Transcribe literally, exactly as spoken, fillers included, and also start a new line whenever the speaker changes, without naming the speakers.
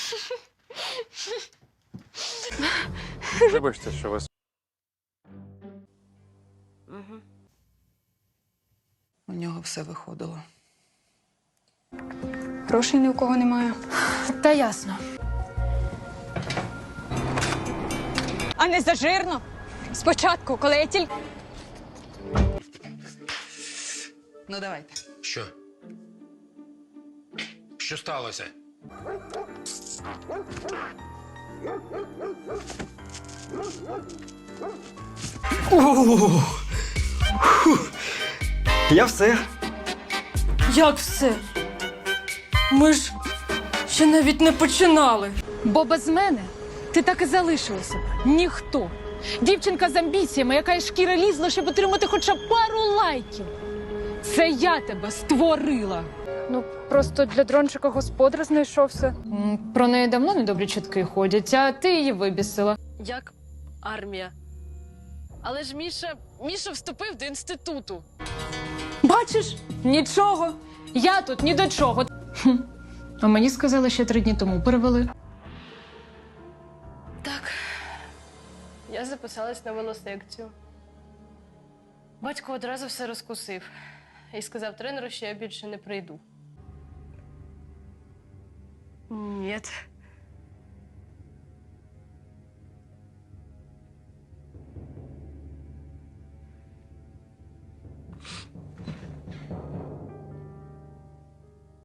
Вибачте, що вас.
Угу.
У нього все виходило.
Грошей ні у кого немає.
Та ясно.
А не зажирно. Спочатку, коли я тільки...
Ну, давайте.
Що? Що сталося?
Я все.
Як все? Ми ж ще навіть не починали.
Бо без мене ти так і залишилася. Ніхто. Дівчинка з амбіціями, яка із шкіри лізла, щоб отримати хоча б пару лайків. Це я тебе створила.
Ну, просто для дрончика господар знайшовся.
М, Про неї давно недобрі чутки ходять, а ти її вибісила.
Як армія. Але ж Міша, Міша вступив до інституту.
Бачиш? Нічого. Я тут ні до чого. Хм. А мені сказали, ще три дні тому перевели.
Так. Я записалась на велосекцію. Батько одразу все розкусив. І сказав тренеру, що я більше не прийду. Ні.